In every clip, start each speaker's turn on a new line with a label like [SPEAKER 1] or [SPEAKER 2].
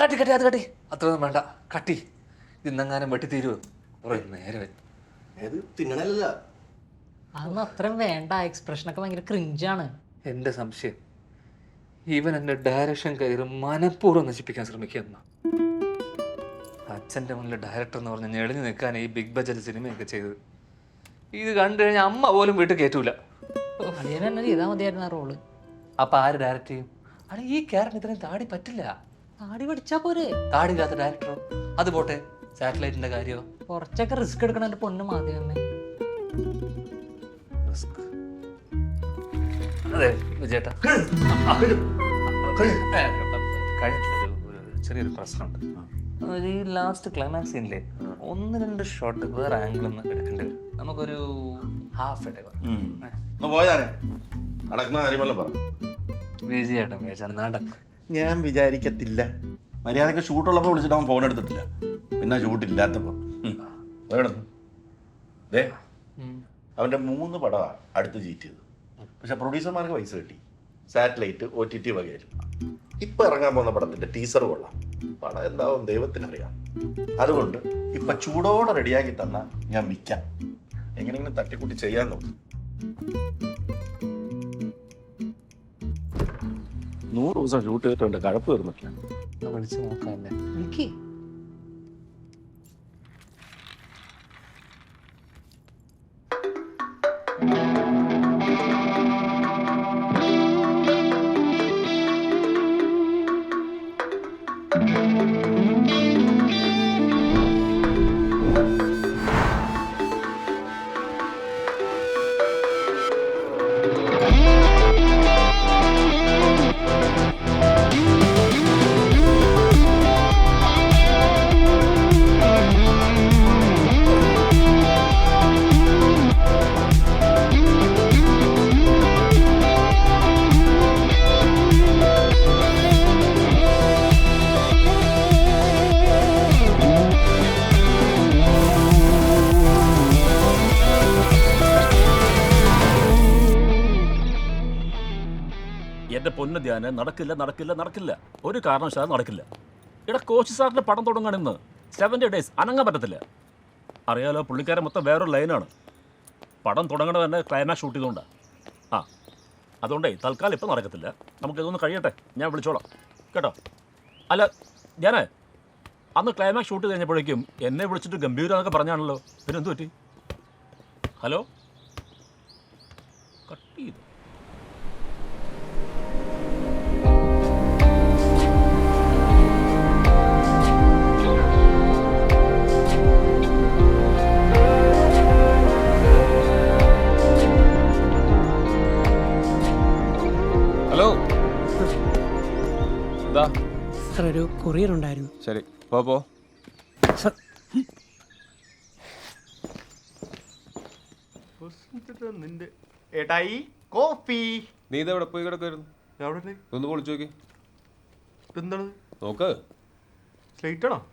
[SPEAKER 1] കട്ടി കട്ടി അത് കട്ടി അത്രയൊന്നും വേണ്ട കട്ടി ഇന്നെങ്ങാനും വെട്ടി തീരുവോ കുറേ നേരം
[SPEAKER 2] ഏത് തിന്നണല്ല
[SPEAKER 3] അതൊന്നും അത്രയും വേണ്ട. എക്സ്പ്രഷനൊക്കെ ഭയങ്കര ക്രിഞ്ചാണ്.
[SPEAKER 1] എൻ്റെ സംശയം ഇവൻ എൻ്റെ ഡയറക്ഷൻ കയറി മനഃപൂർവ്വം നശിപ്പിക്കാൻ ശ്രമിക്കുന്ന അച്ഛൻ്റെ മുന്നിൽ ഡയറക്ടർ എന്ന് പറഞ്ഞ് ഞെളിഞ്ഞു നിൽക്കാൻ ഈ ബിഗ് ബജറ്റ് സിനിമയൊക്കെ ചെയ്തത്. ഇത് കണ്ടു കഴിഞ്ഞാൽ അമ്മ പോലും വീട്ടിൽ കയറ്റൂല.
[SPEAKER 3] അളിയൻ തന്നെ ചെയ്താൽ മതിയായിരുന്നു ആ റോള്.
[SPEAKER 1] അപ്പം ആര് ഡയറക്റ്റ് ചെയ്യും? അല്ല ഈ ക്യാരക്ടർ ഇത്രയും താടി പറ്റില്ല.
[SPEAKER 3] താടി പഠിച്ചാ പോരെ.
[SPEAKER 1] താടിയില്ലാത്ത ഡയറക്ടറോ? അത് പോട്ടെ, സാറ്റലൈറ്റിന്റെ കാര്യമോ?
[SPEAKER 3] കുറച്ചൊക്കെ റിസ്ക് എടുക്കണ എൻ്റെ പൊണ്ണ് മാധ്യമമേ.
[SPEAKER 1] അതെ വിജയേട്ടാ, ചെറിയൊരു പ്രശ്നമുണ്ട്. ഈ ലാസ്റ്റ് ക്ലൈമാക്സ് സീനിലെ 1-2 ഷോട്ട് വേറെ ആംഗിൾ ഒന്ന് എടുക്കേണ്ടി വരും. നമുക്കൊരു ഹാഫ് ഇടവ
[SPEAKER 2] പോയാനെ നടക്കുന്ന കാര്യമല്ല പറ.
[SPEAKER 1] വിജയേട്ടൻ വിചാരിച്ചാണ് നടക്കും.
[SPEAKER 2] ഞാൻ വിചാരിക്കത്തില്ല. മര്യാദക്ക് ഷൂട്ടുള്ളപ്പോൾ വിളിച്ചിട്ട് അവൻ ഫോൺ എടുത്തിട്ടില്ല, പിന്നെ ഷൂട്ടില്ലാത്തപ്പോൾ അവൻ്റെ 3 പടമാണ് അടുത്ത് ജീറ്റ് ചെയ്തത്. പക്ഷെ പ്രൊഡ്യൂസർമാർക്ക് പൈസ കിട്ടി, സാറ്റലൈറ്റ് OTT വകയിൽ. ഇപ്പം ഇറങ്ങാൻ പോകുന്ന പടത്തിൻ്റെ ടീസർ കൊള്ളാം. പടം എന്താവും ദൈവത്തിനറിയാം. അതുകൊണ്ട് ഇപ്പം ചൂടോടെ റെഡിയാക്കി തന്നാൽ ഞാൻ വിൽക്കാം. എങ്ങനെയെങ്കിലും തട്ടിക്കൂട്ടി ചെയ്യാൻ നോക്കും. 100 ദിവസം ഷൂട്ട് ചെയ്തിട്ടുണ്ട്, കഴപ്പ് തീർന്നിട്ടില്ല.
[SPEAKER 1] വിളിച്ച് നോക്കാല്ലേ?
[SPEAKER 3] എനിക്ക്
[SPEAKER 4] എന്റെ പൊന്ന ധ്യാന നടക്കില്ല നടക്കില്ല നടക്കില്ല, ഒരു കാരണവശാലും നടക്കില്ല. ഇവിടെ കോച്ച് സാറിന്റെ പടം തുടങ്ങാൻ ഇന്ന് 70 days അനങ്ങാൻ പറ്റത്തില്ല. അറിയാലോ, പുള്ളിക്കാരൻ മൊത്തം വേറൊരു ലൈനാണ്. പടം തുടങ്ങണ തന്നെ ക്ലൈമാക്സ് ഷൂട്ട് ചെയ്തുകൊണ്ടാണ്. അതുകൊണ്ടേ തൽക്കാലം ഇപ്പം നടക്കത്തില്ല. നമുക്കിതൊന്ന് കഴിയട്ടെ, ഞാൻ വിളിച്ചോളാം കേട്ടോ. അല്ല ധ്യാനേ, അന്ന് ക്ലൈമാക്സ് ഷൂട്ട് കഴിഞ്ഞപ്പോഴേക്കും എന്നെ വിളിച്ചിട്ട് ഗംഭീരം എന്നൊക്കെ പറഞ്ഞാണല്ലോ, പിന്നെ എന്ത് പറ്റി? ഹലോ, കട്ട് ചെയ്തു.
[SPEAKER 5] ഹലോ, എന്താ?
[SPEAKER 6] സാർ ഒരു കൊറിയർ ഉണ്ടായിരുന്നു.
[SPEAKER 5] ശരി, പോ.
[SPEAKER 7] നിന്റെ ഏട്ടായി കോഫി.
[SPEAKER 5] നീ ഇതെവിടെ പോയി കിടക്കായിരുന്നു?
[SPEAKER 7] എവിടെ?
[SPEAKER 5] ഒന്ന് പൊളിച്ചു നോക്കി.
[SPEAKER 7] എന്താണ്
[SPEAKER 5] നോക്ക്.
[SPEAKER 7] സ്ലേറ്റ് ആണോ?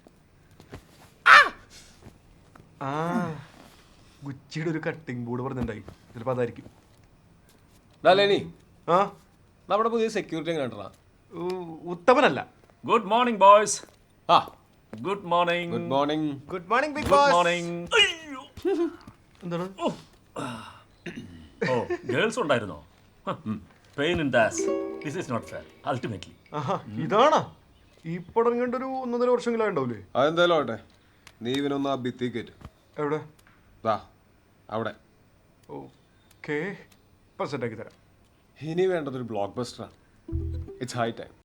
[SPEAKER 7] ആ, ഗുച്ചിയുടെ ഒരു കട്ടിംഗ് ബോർഡ് പറഞ്ഞിട്ടുണ്ടായി, ചിലപ്പോൾ അതായിരിക്കും.
[SPEAKER 5] ലേനി,
[SPEAKER 7] ആ,
[SPEAKER 5] നമ്മുടെ പുതിയ സെക്യൂരിറ്റി എങ്ങനെ കണ്ടാ?
[SPEAKER 7] ഉത്തമനല്ല.
[SPEAKER 4] Good morning boys.
[SPEAKER 5] ആ,
[SPEAKER 4] good morning.
[SPEAKER 5] Good morning.
[SPEAKER 7] Good morning big
[SPEAKER 4] good
[SPEAKER 7] boss.
[SPEAKER 4] Morning.
[SPEAKER 7] എന്താണ്?
[SPEAKER 4] ഓ, ഗേൾസ് ഉണ്ടായിരുന്നോ? Pain in the ass. This is not fair ultimately.
[SPEAKER 7] ആഹാ, ഇതാണോ ഈ പടം കണ്ടൊരു 1.5 വർഷമെങ്കിലും ഉണ്ടാവില്ലേ?
[SPEAKER 5] അതെന്തായാലും ആവട്ടെ, നീ ഇവനൊന്ന് ആ ഭിത്തി കയറ്റും.
[SPEAKER 7] എവിടെ?
[SPEAKER 5] അവിടെ.
[SPEAKER 7] ഓക്കെ, പെർസെൻ്റ് ആക്കി തരാം.
[SPEAKER 5] ഇനി വേണ്ടതൊരു ബ്ലോക്ക് ബസ്റ്ററാണ്. It's high time.